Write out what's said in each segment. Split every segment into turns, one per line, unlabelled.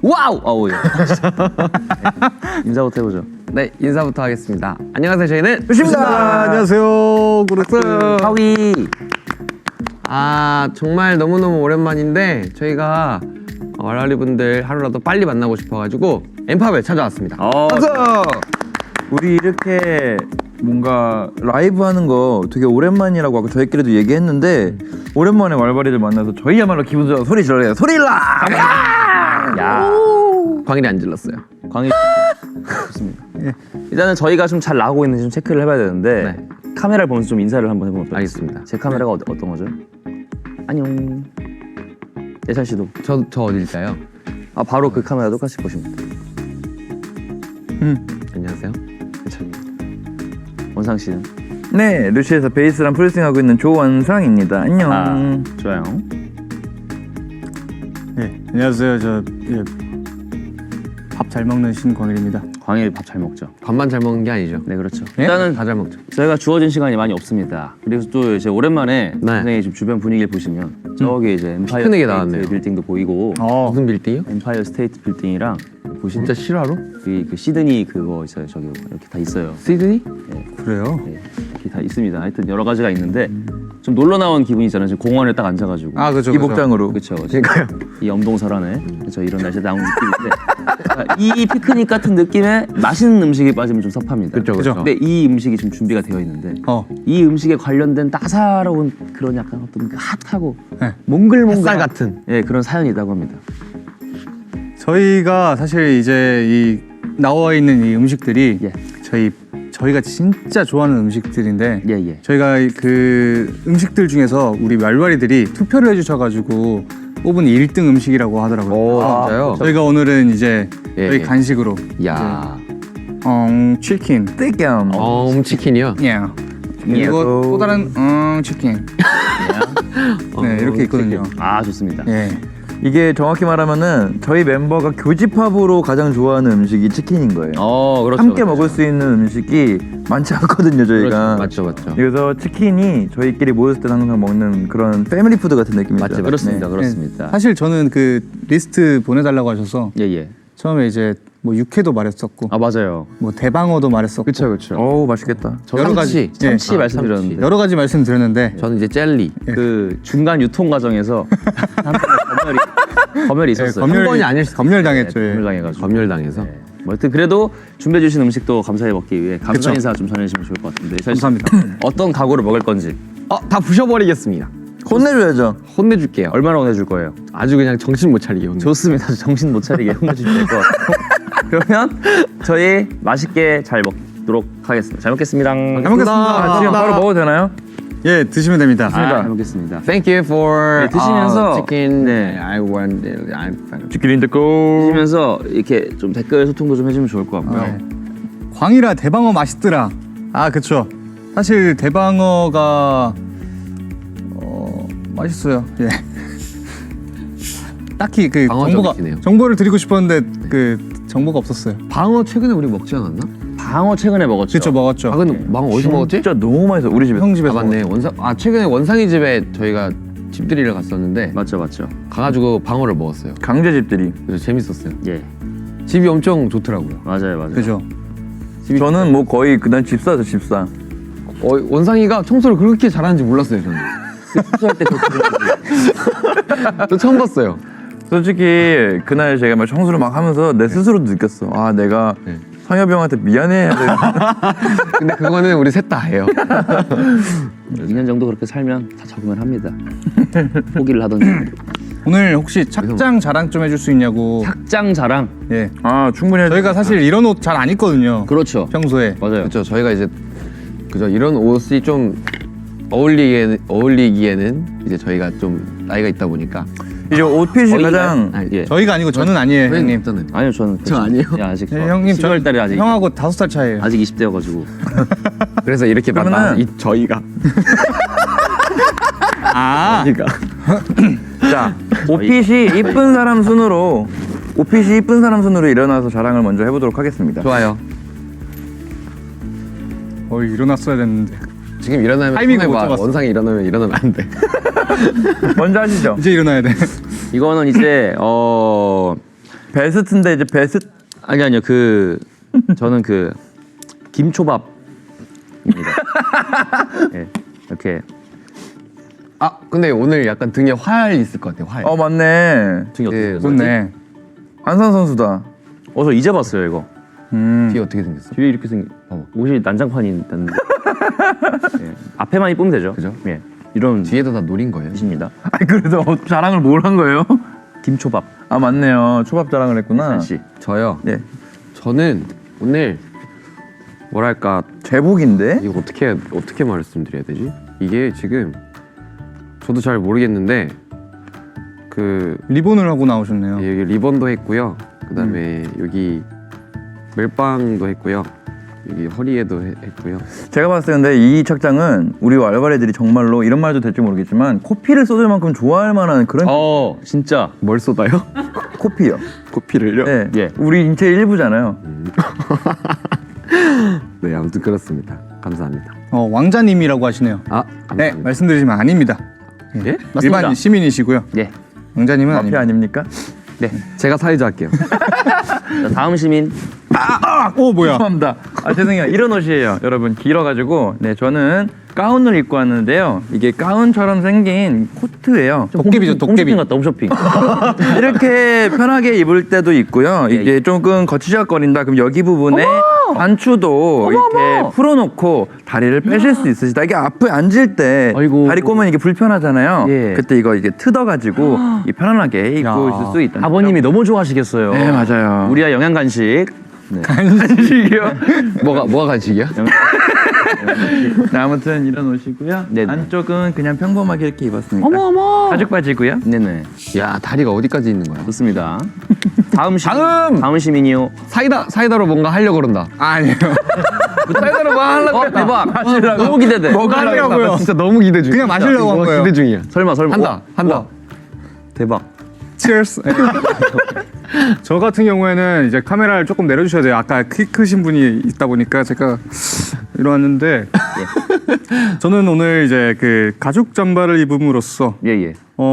와우! 어우, 예. 인사부터 해보죠.
네, 인사부터 하겠습니다. 안녕하세요, 저희는
좋습니다. 안녕하세요.
박수!
하위!
아, 정말 너무너무 오랜만인데 저희가 왈왈이 분들 하루라도 빨리 만나고 싶어가지고 엠팝에 찾아왔습니다.
박수! 우리 이렇게 뭔가 라이브 하는 거 되게 오랜만이라고 아까 저희끼리도 얘기했는데 오랜만에 왈왈이들 만나서 저희야말로 기분 좋아서 소리 질러야 돼. 소리 질러!
야,
광일이 안 질렀어요.
광희. 좋습니다. 일단은 저희가 좀 잘 나오고 있는지 좀 체크를 해봐야 되는데
네.
카메라를 보면서 좀 인사를 한번 해보면 어떨까요?
알겠습니다.
제 카메라가 어떤 거죠? 안녕. 예찬 씨도.
저 어딜까요?
아, 바로 그 카메라 똑같이 보시면 돼요.
안녕하세요.
원상 씨는?
네, 루시에서 베이스랑 프로듀싱하고 있는 조원상입니다. 안녕.
아, 좋아요.
네, 안녕하세요. 밥 잘 먹는 신광일입니다.
광일 밥 잘 먹죠?
밥만 잘 먹는 게 아니죠.
네, 그렇죠.
네?
일단은
다 잘 먹죠.
저희가 주어진 시간이 많이 없습니다. 그리고 또 이제 오랜만에
네.
선생님 지금 주변 분위기를 보시면 저기 이제 엠파이어
피크닉에
스테이트
나왔네요.
빌딩도 보이고
무슨 빌딩이요?
엠파이어 스테이트 빌딩이랑 보시면
진짜 실화로?
그 시드니 그거 있어요. 저기 이렇게 다 있어요.
시드니?
그래요?
네, 이렇게 다 있습니다. 하여튼 여러 가지가 있는데 좀 놀러 나온 기분이잖아요. 지금 공원에 딱 앉아가지고.
아, 그죠.
이 복장으로.
그렇죠.
그러니까요.
이 엄동설안에 그렇죠. 이런 날씨에 나온 느낌인데 이 피크닉 같은 느낌에 맛있는 음식이 빠지면 좀 섭합니다.
그렇죠,
그죠.
그렇죠.
근데 이 음식이 지금 준비가 되어 있는데 이 음식에 관련된 따사로운 그런 약간 어떤 그 핫하고
네.
몽글몽글
햇살 같은.
예, 그런 사연이 있다고 합니다.
저희가 사실 이제 이 나와 있는 이 음식들이
예.
저희가 진짜 좋아하는 음식들인데
예, 예.
저희가 그 음식들 중에서 우리 왈왈이들이 투표를 해주셔가지고 뽑은 1등 음식이라고 하더라고요.
오, 진짜요?
저희가 오늘은 이제
예,
저희
예.
간식으로
야,
치킨.
떼겸.
치킨이요?
예. 그리고 또 다른 치킨. 네, 이렇게 있거든요.
아, 좋습니다.
예.
이게 정확히 말하면은 저희 멤버가 교집합으로 가장 좋아하는 음식이 치킨인 거예요.
그렇죠.
함께
그렇죠.
먹을 수 있는 음식이 많지 않거든요, 저희가.
맞죠, 맞죠.
그래서 치킨이 저희끼리 모였을 때 항상 먹는 그런 패밀리 푸드 같은 느낌이죠.
맞지,
그렇습니다.
네.
그렇습니다.
사실 저는 그 리스트 보내달라고 하셔서
예, 예.
처음에 이제 뭐 육회도 말했었고
아, 맞아요.
뭐 대방어도 말했었고
그렇죠.
어우, 맛있겠다.
여러 가지
참치
예,
말씀드렸는데
여러 가지 말씀드렸는데
저는 이제 젤리.
그 중간 유통 과정에서 검열이 있었어요.
한 번이 아닐 수도
검열당했죠. 예.
검열당해가지고.
검열당해서.
네. 뭐 하여튼 그래도 준비해 주신 음식도 감사히 먹기 위해 감사
그쵸.
인사 좀 전해주시면 좋을 것 같은데.
감사합니다.
어떤 각오를 먹을 건지
다 부셔버리겠습니다.
혼내줘야죠.
혼내줄게요.
얼마나 혼내줄 거예요?
아주 그냥 정신 못 차리게 혼내.
좋습니다. 정신 못 차리게 혼내주시면 될 것 같아요. 그러면 저희 맛있게 잘 먹도록 하겠습니다. 잘 먹겠습니다.
잘 먹겠습니다.
지금 바로 먹어도 되나요?
예, 드시면 됩니다.
잘 먹겠습니다.
Thank you for
네, 드시면서
치킨.
네.
I want.
치킨 인더 고.
드시면서 이렇게 좀 댓글 소통도 좀 해주면 좋을 것 같고요.
네. 광이라 대방어 맛있더라. 아, 그쵸. 사실 대방어가 맛있어요. 예. 딱히 그
방어적이시네요.
정보를 드리고 싶었는데 그 정보가 없었어요.
방어 최근에 우리 먹지 않았나?
방어 최근에 먹었죠.
그쵸, 먹었죠.
아 근데 방어 어디서 먹었지?
진짜 너무 맛있어. 우리 집에.
형 집에서
아 맞네. 최근에 원상이 집에 저희가 집들이를 갔었는데
맞죠, 맞죠.
가가지고 방어를 먹었어요.
강제집들이.
그래서 재밌었어요.
예,
집이 엄청 좋더라고요.
맞아요, 맞아요.
그죠.
저는 뭐 거의 그날 집사죠, 집사.
원상이가 청소를 그렇게 잘하는지 몰랐어요 저는.
숙소할 때
저 처음 봤어요.
솔직히 그날 제가 막 청소를 막 하면서 내 스스로도 느꼈어. 아, 내가
네.
상엽이 형한테 미안해야 돼.
근데 그거는 우리 셋 다 해요.
2년 정도 그렇게 살면 다 적응을 합니다. 포기를 하던지.
오늘 혹시 착장 자랑 좀 해줄 수 있냐고.
착장 자랑.
예.
아, 충분히 해줘.
저희가 사실 이런 옷 잘 안 입거든요.
그렇죠.
평소에.
맞아요.
그렇죠. 저희가 이제 이런 옷이 좀 어울리기에는 이제 저희가 좀 나이가 있다 보니까
이제 옷핏이 가장
예.
저희가 아니고 저는 아니에요, 형님.
저는
아니요, 저는
저 아니에요?
예, 아직
네, 형님
10월 달에 아직
형하고 5살 차이예요.
아직 20대여가지고.
그래서 이렇게
그러면은-
만나 저희가
아,
그러니까
자, 옷핏이 이쁜 사람 순으로 일어나서 자랑을 먼저 해보도록 하겠습니다.
좋아요.
일어났어야 됐는데.
지금 일어나면
타이밍을 못
손해봐.
잡았어.
원상이 일어나면 안 돼.
먼저 하시죠.
이제 일어나야 돼.
이거는 이제
베스트인데 이제 베스트
아니요 저는 그 김초밥입니다. 예, 이렇게
아 근데 오늘 약간 등에 활 있을 것 같아요. 활.
맞네.
등이 어떻게
네,
생겼지?
좋네.
안산 선수다.
저 이제 봤어요 이거.
뒤에 어떻게 생겼어?
뒤에 이렇게 생긴 옷이 난장판이 있는데 예, 앞에만 이쁘면 되죠.
그죠?
예, 이런
뒤에도 다 노린 거예요.
뜻입니다.
아니 그래도 자랑을 뭘 한 거예요?
김초밥
아 맞네요. 초밥 자랑을 했구나.
씨.
저요.
네.
저는 오늘 뭐랄까
제복인데?
이거 어떻게 말씀드려야 되지? 이게 지금 저도 잘 모르겠는데 그
리본을 하고 나오셨네요.
여기 리본도 했고요. 그다음에 여기 멜빵도 했고요. 여기 허리에도 했고요.
제가 봤을 때 근데 이 착장은 우리 왈바레들이 정말로 이런 말도 될지 모르겠지만 코피를 쏟을 만큼 좋아할 만한 그런
진짜
뭘 쏟아요?
코피요.
코피를요?
네.
예.
우리 인체 일부잖아요.
네, 아무튼 그렇습니다. 감사합니다.
왕자님이라고 하시네요.
아,
네,
감사합니다.
말씀드리지만 아닙니다.
예?
맞습니다.
일반 시민이시고요.
예.
왕자님은
마피아
아닙니다.
아닙니까?
네.
제가 사회자 할게요.
자, 다음 시민
오 뭐야?
죄송합니다. 죄송해요. 이런 옷이에요. 여러분 길어가지고 저는 가운을 입고 왔는데요. 이게 가운처럼 생긴 코트예요.
도깨비죠, 도깨비.
홈쇼핑 같다 홈쇼핑.
이렇게 편하게 입을 때도 있고요. 이게 조금 거치적거린다. 그럼 여기 부분에 단추도 이렇게 풀어놓고 다리를 빼실 수 있으시다. 이게 앞에 앉을 때
아이고.
다리 꼬면 이게 불편하잖아요.
예.
그때 이거 이게 뜯어가지고 이 편안하게 입고 있을 수 있다.
아버님이 너무 좋아하시겠어요.
네 맞아요.
우리야 영양 간식.
간식이요.
뭐가 간식이야?
네, 아무튼 이런 옷이고요.
네네.
안쪽은 그냥 평범하게 이렇게 입었습니다.
어머.
가죽 바지고요.
네네.
야, 다리가 어디까지 있는 거야?
좋습니다. 다음 시민. 다음 시민이요.
사이다로 뭔가 하려고 그런다.
아니에요.
사이다로 뭐 하려고
대박. 너무 기대돼.
뭐가 하려고요?
나 진짜 너무 기대 중.
그냥 마시려고 한 거예요.
기대 중이야.
설마.
한다.
대박.
Cheers. 저 같은 경우에는 이제 카메라를 조금 내려주셔야 돼요. 아까 키 크신 분이 있다 보니까 제가 이러왔는데 저는 오늘 이제 그 가죽 잠바를 입음으로써
예예.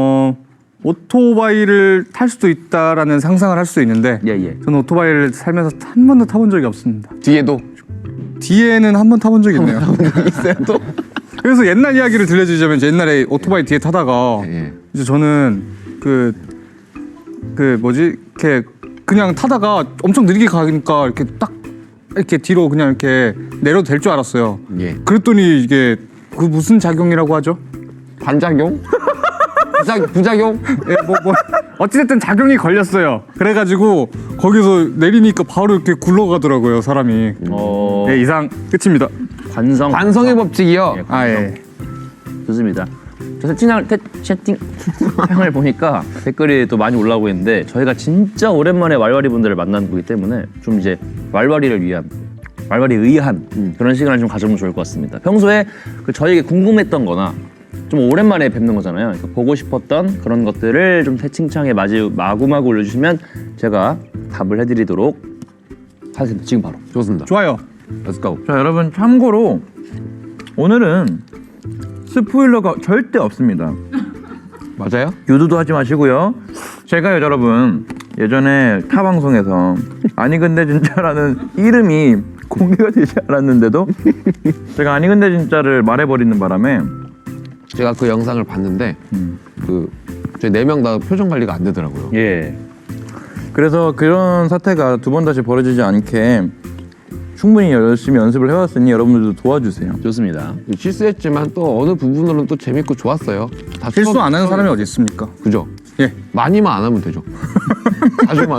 오토바이를 탈 수도 있다라는 상상을 할 수 있는데
예예.
저는 오토바이를 살면서 한 번도 타본 적이 없습니다.
뒤에도
뒤에는 한 번 타본 적이 있네요. 있어요 또? 그래서 옛날 이야기를 들려주자면 이제 옛날에 오토바이 뒤에 타다가
예.
이제 저는 그 뭐지 이렇게 그냥 타다가 엄청 느리게 가니까 이렇게 딱 이렇게 뒤로 그냥 이렇게 내려도 될 줄 알았어요.
예.
그랬더니 이게 그 무슨 작용이라고 하죠?
반작용? 부작용?
예, 뭐 어찌됐든 작용이 걸렸어요. 그래가지고 거기서 내리니까 바로 이렇게 굴러가더라고요 사람이. 예, 이상 끝입니다.
관성의 법칙이요.
예,
아 예.
좋습니다. 저 채팅창을 보니까 댓글이 또 많이 올라오고 있는데 저희가 진짜 오랜만에 왈왈이 분들을 만나는 거기 때문에 좀 이제 왈왈이를 위한 왈왈이 의한 그런 시간을 좀 가져보면 좋을 것 같습니다. 평소에 저희에게 궁금했던 거나 좀 오랜만에 뵙는 거잖아요. 그러니까 보고 싶었던 그런 것들을 좀 채팅창에 마구마구 올려주시면 제가 답을 해드리도록 하겠습니다. 지금 바로.
좋습니다.
좋아요.
Let's go.
자 여러분 참고로 오늘은 스포일러가 절대 없습니다.
맞아요?
유도도 하지 마시고요. 제가요 여러분 예전에 타 방송에서 아니 근데 진짜라는 이름이 공개가 되지 않았는데도 제가 아니 근데 진짜를 말해버리는 바람에
제가 그 영상을 봤는데 그 저희 4명 다 표정 관리가 안 되더라고요.
예.
그래서 그런 사태가 두 번 다시 벌어지지 않게 충분히 열심히 연습을 해왔으니 여러분들도 도와주세요.
좋습니다.
실수했지만 또 어느 부분으로는 또 재밌고 좋았어요. 다
실수 안 하는 사람이 어디 있습니까?
그죠?
예.
많이만 안 하면 되죠. 자주만.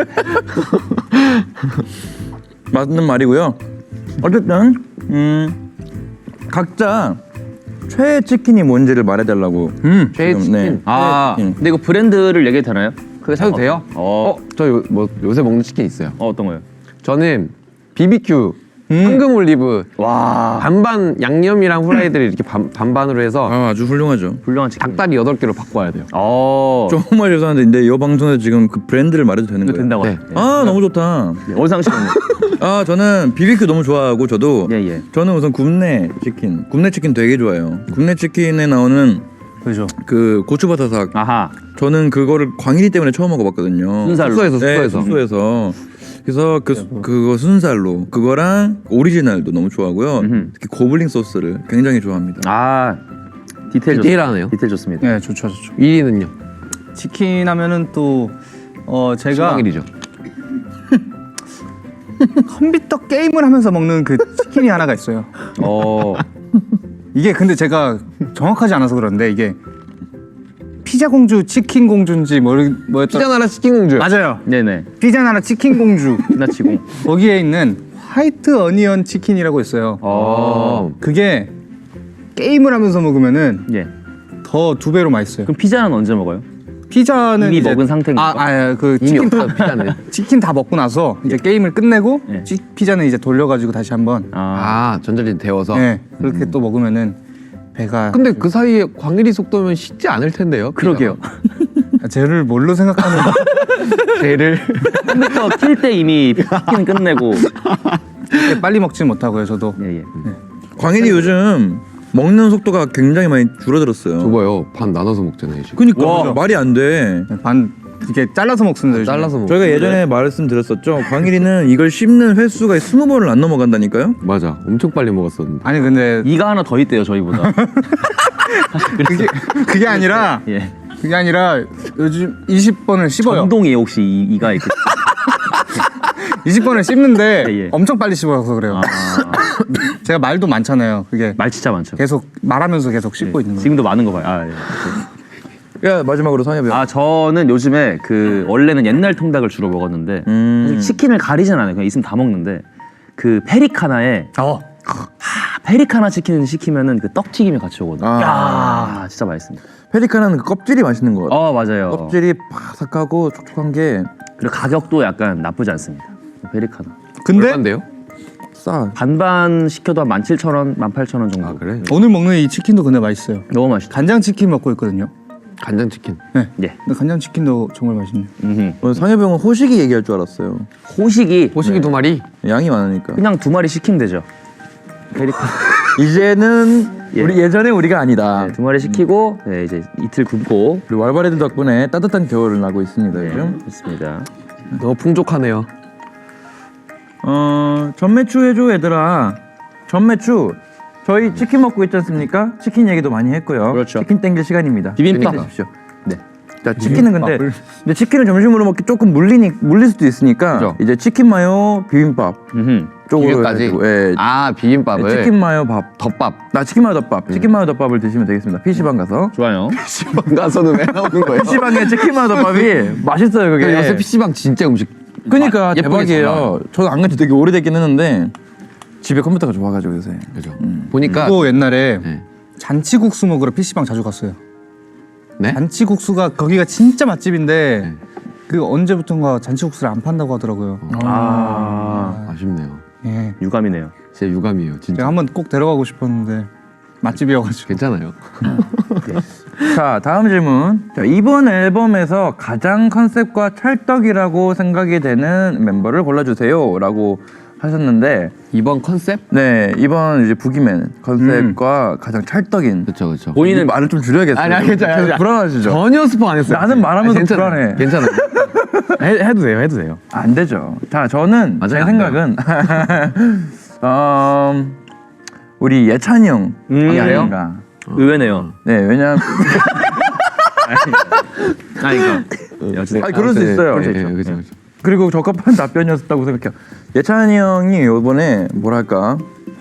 맞는 말이고요. 어쨌든 각자 최애 치킨이 뭔지를 말해달라고.
최애
지금,
치킨.
네.
아,
네.
근데 이거 브랜드를 얘기해도 되나요?
그게 사도 돼요? 저 요새 먹는 치킨 있어요.
어떤 거요?
저는 BBQ 황금 올리브
와,
반반 양념이랑 후라이드를 이렇게 반반으로 해서
아주 훌륭하죠.
훌륭한 치킨.
닭다리 8개로 바꿔야 돼요.
정말 죄송한데 이 방송에서 지금 그 브랜드를 말해도 되는
이거
거예요?
된다고.
네.
아 너무 좋다.
원상 씨는
저는 BBQ 너무 좋아하고 저도
예.
저는 우선 굽네 치킨 되게 좋아해요. 굽네 치킨에 나오는
그죠.
그 고추바사삭.
아하.
저는 그거를 광일이 때문에 처음 먹어봤거든요.
순살로.
숙소에서
네,
숙소에서.
숙소에서. 그래서 그거 순살로 그거랑 오리지널도 너무 좋아하고요.
음흠.
특히 고블링 소스를 굉장히 좋아합니다.
아 디테일
디테일하네요.
디테일 좋습니다.
네, 좋죠.
1위는요?
치킨 하면은 또 제가
신광일이죠.
컴퓨터 게임을 하면서 먹는 그 치킨이 하나가 있어요. 이게 근데 제가 정확하지 않아서 그런데 이게 피자 공주, 치킨 공주인지 뭐였더라?
피자 나라 치킨 공주.
맞아요.
네네.
피자 나라 치킨 공주.
피나치고.
거기에 있는 화이트 어니언 치킨이라고 있어요. 그게 게임을 하면서 먹으면은
예.
더 2배로 맛있어요.
그럼 피자는 언제 먹어요?
피자는
이미
이제
먹은 상태니까.
그
이미
치킨
없다 피자는.
치킨 다 먹고 나서 이제 게임을 끝내고
예.
피자는 이제 돌려가지고 다시 한번
아 전자레인지 데워서.
네, 그렇게 또 먹으면은 배가
근데 그 사이에 광일이 속도면 식지 않을 텐데요.
그러게요.
쟤를 뭘로 생각하는
쟤를.
컴퓨터 킬 때 이미 치킨 끝내고.
그렇게 빨리 먹지는 못하고요. 저도
예예.
광일이 요즘 먹는 속도가 굉장히 많이 줄어들었어요.
저봐요. 반 나눠서 먹잖아요 지금.
그니까
와.
말이 안 돼.
반 이게 잘라서 먹습니다. 요즘에.
잘라서 먹.
저희가 예전에 말씀드렸었죠. 광일이는 이걸 씹는 횟수가 20번을 안 넘어간다니까요.
맞아. 엄청 빨리 먹었었는데.
아니 근데
이가 하나 더 있대요 저희보다.
그게 아니라
예.
그게 아니라 요즘 20번을 씹어요.
전동이에요 혹시 이가 있고.
20번을 씹는데
예, 예.
엄청 빨리 씹어서 그래요. 제가 말도 많잖아요. 그게
말 진짜 많죠.
계속 말하면서 계속 씹고 있는 거예요.
지금도 많은 거 봐요. 아, 예.
야 마지막으로 상엽이.
아 저는 요즘에 그 원래는 옛날 통닭을 주로 먹었는데 사실 치킨을 가리진 않아요. 그냥 있으면 다 먹는데 그 페리카나에 페리카나 치킨을 시키면은 그 떡튀김이 같이 오거든요. 야 진짜 맛있습니다.
페리카나는 그 껍질이 맛있는 것 같아요.
맞아요.
껍질이 바삭하고 촉촉한 게
그리고 가격도 약간 나쁘지 않습니다. 페리카나
근데
얼마인데요?
싸.
반반 시켜도 한 17,000원, 18,000원 정도.
아 그래?
오늘 먹는 이 치킨도 근데 맛있어요.
너무 맛있다.
간장 치킨 먹고 있거든요.
간장 치킨.
네.
예.
근데 간장 치킨도 정말 맛있네요.
음흠.
오늘 상엽이 형은 호식이 얘기할 줄 알았어요.
호식이
호식이 2마리.
양이 많으니까.
그냥 2마리 시키면 되죠. 페리카나
이제는
예.
우리 예전에 우리가 아니다.
네, 2마리 시키고 네, 이제 이틀 굶고
우리 왈바레드 덕분에 따뜻한 겨울을 나고 있습니다
네,
요즘.
좋습니다.
너무 풍족하네요.
전매추 해줘 얘들아. 전매추. 저희 치킨 먹고 있지 않습니까? 치킨 얘기도 많이 했고요.
그렇죠.
치킨 땡길 시간입니다.
비빔밥.
드십시오.
네.
자 치킨은 근데 치킨을 점심으로 먹기 조금 물릴 수도 있으니까
그죠.
이제 치킨 마요 비빔밥
음흠.
쪽으로
비빔까지.
해가지고, 예.
아 비빔밥을.
치킨 마요 밥.
덮밥.
나 치킨 마요 덮밥. 치킨 마요 덮밥을 드시면 되겠습니다. PC방 가서.
좋아요.
PC방 가서는 왜 나오는 거예요?
PC방에 치킨 마요 덮밥이 맛있어요 그게.
요새 PC방 진짜 음식.
그러니까
예쁘게 잘
대박이에요.
나와요.
저도 안 간지 되게 오래됐긴 했는데 집에 컴퓨터가 좋아가지고 요새.
그죠. 보니까.
또 옛날에
네.
잔치국수 먹으러 PC방 자주 갔어요.
네?
잔치국수가 거기가 진짜 맛집인데
네.
그 언제부턴가 잔치국수를 안 판다고 하더라고요.
아쉽네요.
예.
유감이네요.
진짜 유감이에요. 진짜.
제가 한번 꼭 데려가고 싶었는데 맛집이어가지고.
괜찮아요.
자 다음 질문. 자, 이번 앨범에서 가장 컨셉과 찰떡이라고 생각이 되는 멤버를 골라주세요라고 하셨는데
이번 컨셉?
네 이번 이제 부기맨 컨셉과 가장 찰떡인.
그렇죠, 그렇죠.
본인은
말을 좀 줄여야겠어요.
아니, 괜찮아요.
계속 불안하시죠?
전혀 스포 안 했어요.
나는 말하면서
아니, 괜찮아요.
불안해.
괜찮아요.
해도 돼요, 해도 돼요. 안 되죠. 자, 저는 제
맞아요,
생각은 우리 예찬이 형이
그래요?
아닌가.
의외네요.
네, 왜냐면
어쨌든
그럴 수 있어요.
그럴 수 있죠. 그렇죠, 그렇죠.
그리고 적합한 답변이었다고 생각해요. 예찬이 형이 이번에 뭐랄까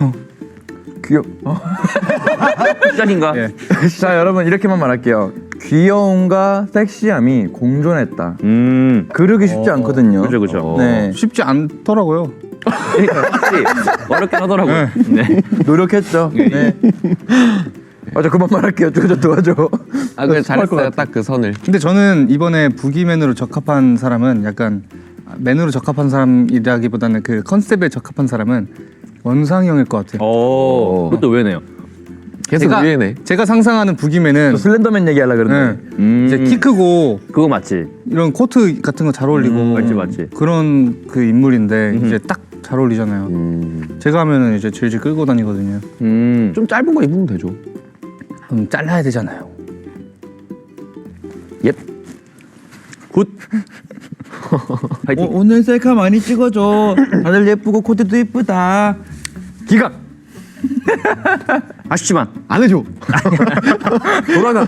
시작인가?
자, 여러분 이렇게만 말할게요. 귀여움과 섹시함이 공존했다. 그러기 쉽지 않거든요.
그죠 그죠.
네,
쉽지 않더라고요.
확실히 어렵긴 하더라고요. 네.
노력했죠. 네. 맞아, 그만 말할게요. 저 도와줘.
아, 그래
습할 것
잘했어요.
같아.
딱 그 선을.
근데 저는 이번에 부기맨으로 적합한 사람은 약간 맨으로 적합한 사람이라기보다는 그 컨셉에 적합한 사람은 원상이 형일 것 같아요.
그것도 의외네요.
계속 의외네.
제가 상상하는 부기맨은
저 슬렌더맨 얘기하려고 그러는데.
네, 이제 키 크고
그거 맞지?
이런 코트 같은 거 잘 어울리고
맞지.
그런 그 인물인데 이제 딱 잘 어울리잖아요. 제가 하면은 이제 질질 끌고 다니거든요.
좀 짧은 거 입으면 되죠.
그럼 잘라야 되잖아요.
옙. 굿. 파이팅.
오늘 셀카 많이 찍어줘. 다들 예쁘고 코디도 예쁘다.
기각
아쉽지만
안 해줘. 돌아가.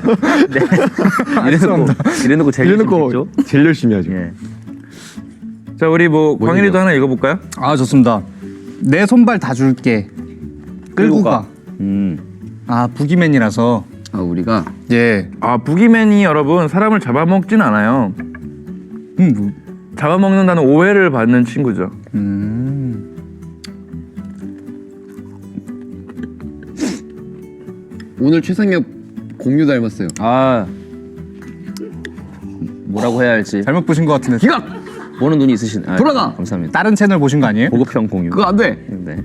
이래놓고 제일
이래놓고 제일 열심히 하죠.
예.
자 우리 뭐 광일이도 하나 읽어볼까요?
아 좋습니다. 내 손발 다 줄게. 끌고 가. 아 부기맨이라서
아 우리가
예.
아 부기맨이 여러분 사람을 잡아먹진 않아요.
뭐.
잡아먹는다는 오해를 받는 친구죠.
오늘 최상엽 공유 닮았어요.
아 뭐라고 해야 할지
잘못 보신 것 같은데.
기각
보는 눈이 있으신. 아,
돌아가!
감사합니다.
다른 채널 보신 거 아니에요?
보급형 공유.
그거 안 돼.
네.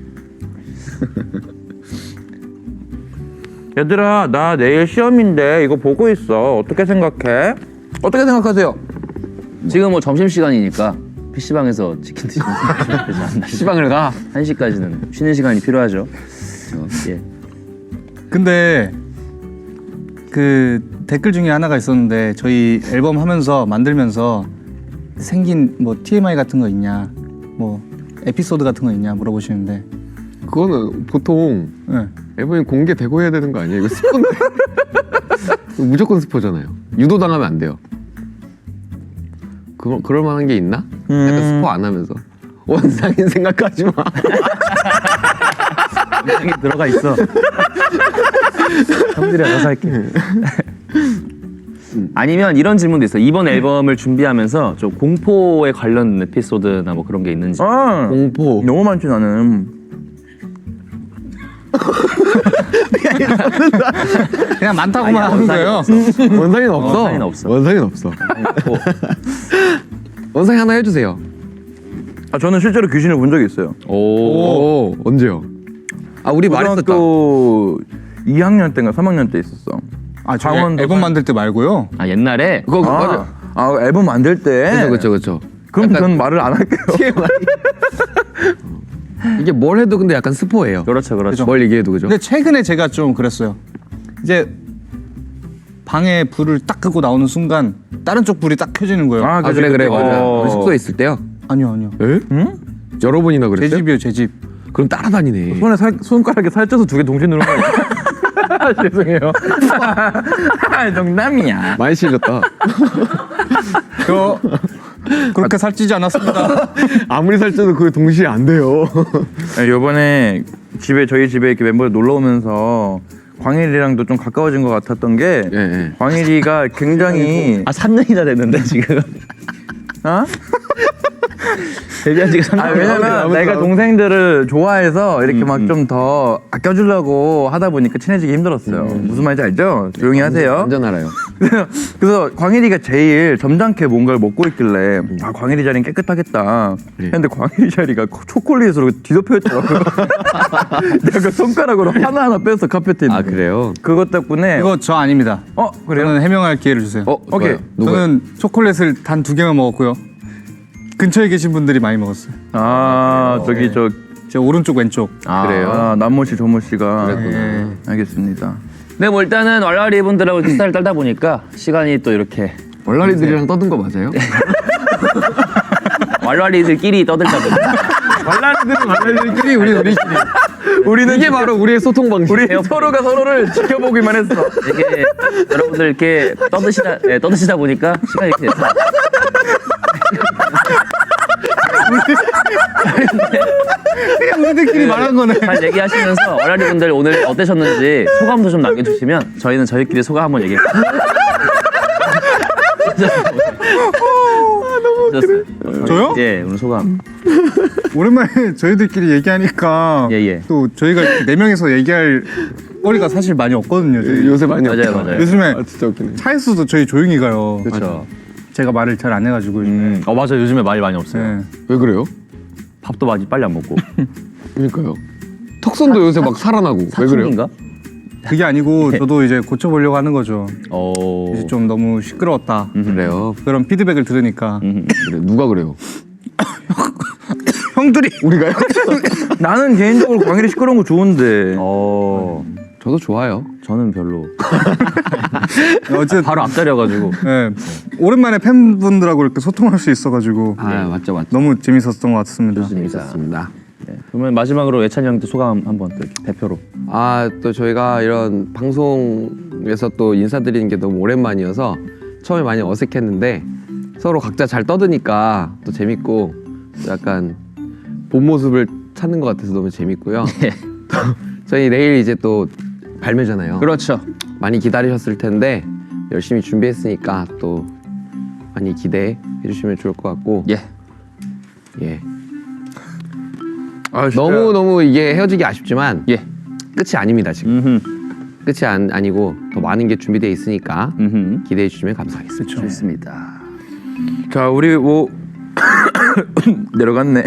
얘들아 나 내일 시험인데 이거 보고 있어. 어떻게 생각해? 어떻게 생각하세요?
지금 뭐 점심 시간이니까 PC방에서 치킨 드시면 되지 않나.
시방을 가.
1시까지는 쉬는 시간이 필요하죠. 예.
근데 그 댓글 중에 하나가 있었는데 저희 앨범 하면서 만들면서 생긴 뭐 TMI 같은 거 있냐, 뭐 에피소드 같은 거 있냐 물어보시는데
그거는 보통
네.
앨범이 공개되고 해야 되는 거 아니에요? 이거 스포인데. 무조건 스포잖아요. 유도당하면 안 돼요. 그럴 만한 게 있나? 약간 스포 안 하면서 원상인 생각하지 마.
영상이 들어가 있어. 형들이 알아서 할게. 아니면 이런 질문도 있어. 이번 앨범을 준비하면서 좀 공포에 관련 에피소드나 뭐 그런 게 있는지.
아
공포.
너무 많지 나는.
그냥 많다고만 하는 거예요.
원상인 없어.
원상인 없어.
원상인 없어. 원상이 하나 해주세요.
아 저는 실제로 귀신을 본 적이 있어요.
오, 언제요? 아 우리 말했었다.
고등학교 2학년 때인가 3학년 때 있었어.
아, 저
강원도
앨범 만들 때 말고요.
아 옛날에
그거 맞아.
아 앨범 만들 때.
그렇죠.
그럼 전 말을 안 할게요.
이게 뭘 해도 근데 약간 스포예요.
그렇죠.
뭘 얘기해도 그죠?
근데 최근에 제가 좀 그랬어요. 이제 방에 불을 딱 끄고 나오는 순간 다른 쪽 불이 딱 켜지는 거예요.
아 그래 맞아.
어.
우리 숙소에 있을 때요.
아니요.
에?
응?
여러 번이나
제
그랬어요?
집이요, 제 집.
그럼 따라다니네.
손가락에 살쪄서 두 개 동시에 누른 거 아니야? 죄송해요. 농담이야.
많이 실렸다.
저 그렇게 살찌지 않았습니다.
아무리 살쪄도 그게 동시에 안 돼요.
이번에 저희 집에 이렇게 멤버들 놀러 오면서 광일이랑도 좀 가까워진 것 같았던 게
예.
광일이가 굉장히
3년이나 됐는데 지금.
어?
데뷔한 지가 3년.
왜냐면 내가 동생들을 좋아해서 이렇게 막 좀 더 아껴주려고 하다 보니까 친해지기 힘들었어요. 무슨 말인지 알죠? 조용히 하세요.
완전 알아요.
그래서 광일이가 제일 점잖게 뭔가를 먹고 있길래 아 광일이 자리는 깨끗하겠다 했는데 광일이 자리가 초콜릿으로 뒤덮여 있더라고요. 내가 그 손가락으로 하나하나 뺐어 카페트에 있는
아
거.
그래요?
그것 덕분에
이거 저 아닙니다.
그래요?
저는 해명할 기회를 주세요.
오케이.
누구요?
저는 초콜릿을 단 2개만 먹었고요. 근처에 계신 분들이 많이 먹었어요.
아 저기 저
제 오른쪽 왼쪽.
그래요? 남모 씨, 조모 씨가
네.
알겠습니다.
네, 뭐 일단은 왈왈이 분들하고 이렇게 수다를 떨다 보니까 시간이 또 이렇게
월라리들이랑 떠든 거 맞아요?
왈왈이들끼리 떠들다 보니까
월라리들끼리 우리끼리. 우리는 이게 바로 우리의 소통 방식.
우리 서로가 서로를 지켜보기만 했어.
이게 여러분들 이렇게 떠드시다 보니까 시간이 이렇게 됐어요.
그냥 우리들끼리 말한 거네.
잘 얘기하시면서 왈왈이 분들 오늘 어떠셨는지 소감도 좀 남겨주시면 저희는 저희끼리 소감 한번 얘기해볼게요. 너무
저요?
예, 오늘 소감.
오랜만에 저희들끼리 얘기하니까
예.
또 저희가 4명이서 얘기할 거리가 사실 많이 없거든요. 저희.
요새 많이
맞아요,
없죠.
맞아요.
요즘에
아 진짜 웃기네.
차에서도 저희 조용히 가요.
그렇죠.
제가 말을 잘 안 해가지고 요즘에.
맞아. 요즘에 말이 많이 없어요.
네.
왜 그래요?
밥도 많이 빨리 안 먹고.
그러니까요. 턱선도 요새 막 살아나고. 왜 그래요?
사춘기인가?
그게 아니고 저도 이제 고쳐보려고 하는 거죠. 이제 좀 너무 시끄러웠다.
그래요.
그런 피드백을 들으니까
그래. 누가 그래요?
형들이
우리가요?
나는 개인적으로 광일이 시끄러운 거 좋은데.
저도 좋아요.
저는 별로.
어쨌든
바로 앞자려가지고.
네, 오랜만에 팬분들하고 이렇게 소통할 수 있어가지고
맞죠.
너무 재밌었던 것 같습니다.
재밌었습니다.
네. 그러면 마지막으로 예찬이 형한테 소감 한번 또 이렇게 대표로.
또 저희가 이런 방송에서 또 인사드리는 게 너무 오랜만이어서 처음에 많이 어색했는데 서로 각자 잘 떠드니까 또 재밌고 약간 본 모습을 찾는 것 같아서 너무 재밌고요. 저희 내일 이제 또 발매잖아요.
그렇죠.
많이 기다리셨을 텐데 열심히 준비했으니까 또 많이 기대해 주시면 좋을 것 같고
예.
예.
아, 진짜.
너무 이게 헤어지기 아쉽지만
예.
끝이 아닙니다 지금.
음흠.
끝이 아니고 더 많은 게 준비되어 있으니까
음흠.
기대해 주시면 감사하겠습니다.
좋습니다.
자, 우리 뭐 내려갔네.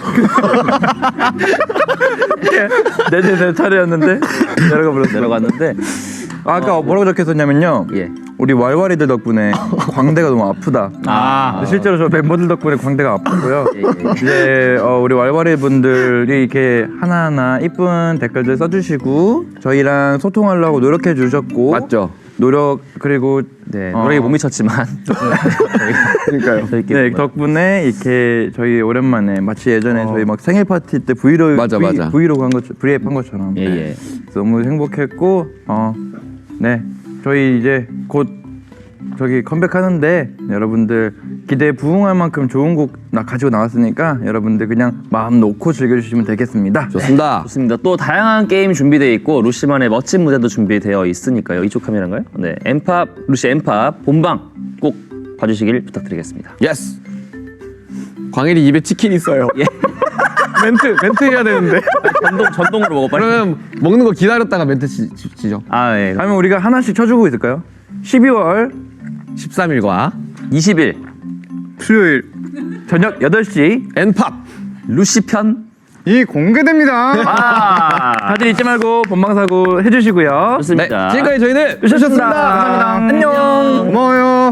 내 차례였는데 내려가 버렸어.
내려갔는데
아까 뭐라고 적혔었냐면요.
예.
우리 왈왈이들 덕분에 광대가 너무 아프다. 실제로 저 멤버들 덕분에 광대가 아프고요.
예.
이제 우리 왈왈이 분들이 이렇게 하나하나 이쁜 댓글들 써주시고 저희랑 소통하려고 노력해 주셨고
맞죠?
노력 그리고
네. 노력에 못 미쳤지만.
그러니까요.
네 덕분에 이렇게 저희 오랜만에 마치 예전에 저희 막 생일 파티 때 브이로그
맞아.
브이로그 한 것 브이앱 한 것처럼
예, 예.
너무 행복했고 네 저희 이제 곧 저기 컴백하는데 여러분들 기대에 부응할 만큼 좋은 곡 가지고 나왔으니까 여러분들 그냥 마음 놓고 즐겨주시면 되겠습니다.
좋습니다.
좋습니다. 또 다양한 게임 준비되어 있고 루시만의 멋진 무대도 준비되어 있으니까요. 이쪽 카메라인가요? 네, 엠팝 루시 엠팝 본방 꼭 봐주시길 부탁드리겠습니다.
예스. 광일이 입에 치킨 있어요.
예.
멘트 해야 되는데.
전동으로 먹어 빨리.
그러면 먹는 거 기다렸다가 멘트 치죠.
아 예.
아니면 우리가 하나씩 쳐주고 있을까요? 12월
13일과
20일
수요일
저녁 8시
엔팝
루시 편.
이 공개됩니다.
다들 잊지 말고 본방사고 해주시고요.
좋습니다.
지금까지 저희는
주셨습니다. 감사합니다. 안녕.
고마워요.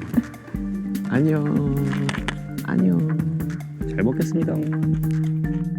안녕.
잘 먹겠습니다.